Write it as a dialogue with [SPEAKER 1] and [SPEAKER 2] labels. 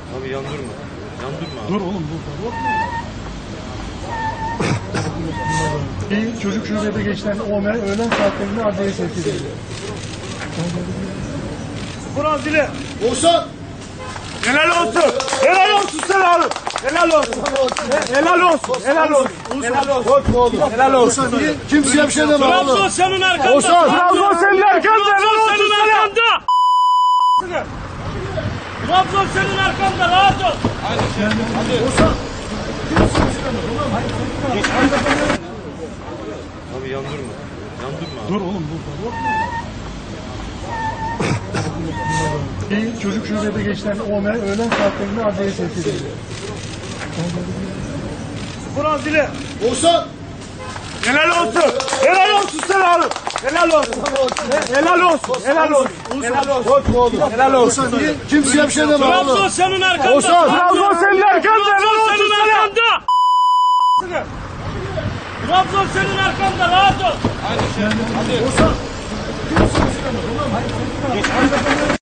[SPEAKER 1] Abi yandırma. Yandırma abi.
[SPEAKER 2] Dur oğlum dur. Bir çocuk şubede geçen olay öğlen saatlerinde adliyeye sevk edildi.
[SPEAKER 3] Kur'an zile.
[SPEAKER 4] Oğuzhan!
[SPEAKER 3] Helal olsun. Helal olsun sana oğlum. Helal olsun. Helal olsun. Helal olsun. Helal olsun.
[SPEAKER 4] Korkma oğlum.
[SPEAKER 3] Helal olsun.
[SPEAKER 4] Kimseye bir şey deme oğlum.
[SPEAKER 3] Trabzon senin arkanda.
[SPEAKER 4] Oğuzhan!
[SPEAKER 3] Trabzon senin arkanda. Trabzon senin arkanda. Trabzon senin arkanda. Rahat ol.
[SPEAKER 1] Abi yandırma. Yandırma abi.
[SPEAKER 2] Dur oğlum dur. Bir çocuk şubede geçen olay öğlen saatlerinde adliyeye sevk edildi.
[SPEAKER 3] Kur'an zile.
[SPEAKER 4] Oğuzhan!
[SPEAKER 3] Helal olsun. Helal olsun sana oğlum. Helal olsun. Helal olsun. Helal olsun. Helal olsun.
[SPEAKER 4] Korkma oğlum.
[SPEAKER 3] Helal olsun.
[SPEAKER 4] Kimseye bir şey deme oğlum.
[SPEAKER 3] Trabzon senin arkanda.
[SPEAKER 4] Oğuzhan!
[SPEAKER 3] Trabzon senin arkanda. Trabzon senin arkanda. Trabzon senin arkanda. Rahat ol.